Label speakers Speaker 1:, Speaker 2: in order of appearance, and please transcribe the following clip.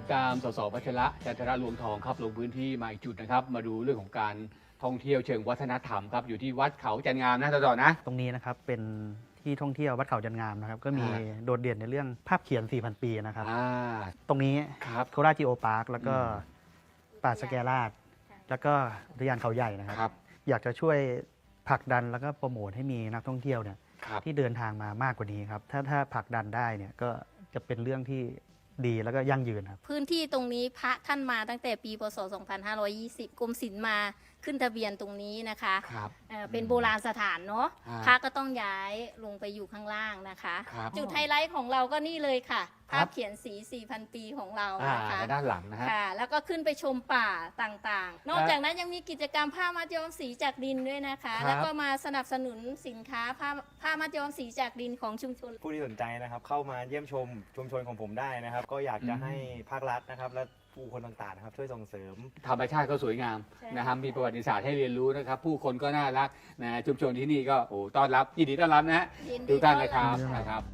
Speaker 1: ผมตามสสพัชระจันทระรวงทองครับลงพื้นที่มาอีกจุดนะครับมาดูเรื่องของการท่องเที่ยวเชิงวัฒนธรรมครับอยู่ที่วัดเขาจันงามนะต่อนะ
Speaker 2: ตรงนี้นะครับเป็นที่ท่องเที่ยววัดเขาจันงามนะครับก็มีโดดเด่นในเรื่องภาพเขียน 4,000 ปีนะครับตรงนี้โคราชจิโอพาร์คแล้วก็ป่าสแกราชแล้วก็อุทยานเขาใหญ่นะครับอยากจะช่วยผลักดันแล้วก็โปรโมทให้มีนักท่องเที่ยวเนี่ยที่เดินทางมามากกว่านี้ครับถ้าผลักดันได้เนี่ยก็จะเป็นเรื่องที่ดีแล้วก็ยั่งยืนครับ
Speaker 3: พื้นที่ตรงนี้พระท่านมาตั้งแต่ปีพศ 2520 กรมศิลป์มาขึ้นทะเบียนตรงนี้นะคะเป็นโบราณสถานเนาะพระก็ต้องย้ายลงไปอยู่ข้างล่างนะคะจุดไฮไลท์ของเราก็นี่เลยค่ะภาพเขียนสี 4,000 ปีของเรานะคะ
Speaker 1: ด้านหลังนะฮะ
Speaker 3: แล้วก็ขึ้นไปชมป่าต่างๆนอกจากนั้นยังมีกิจกรรมผ้ามัดย้อมสีจากดินด้วยนะคะแล้วก็มาสนับสนุนสินค้าผ้ามัดย้อมสีจากดินของชุมชน
Speaker 4: ผู้ที่สนใจนะครับเข้ามาเยี่ยมชมชุมชนของผมได้นะครับก็อยากจะให้ภาครัฐนะครับและผู้คนต่างๆนะครับช่วยส่งเสริม
Speaker 1: ธรรมชาติก็สวยงามนะครับมีประวัติศาสตร์ให้เรียนรู้นะครับผู้คนก็น่ารักนะชุมชนที่นี่ก็ต้อนรับยินดีต้อนรับนะทุกท่านนะครับ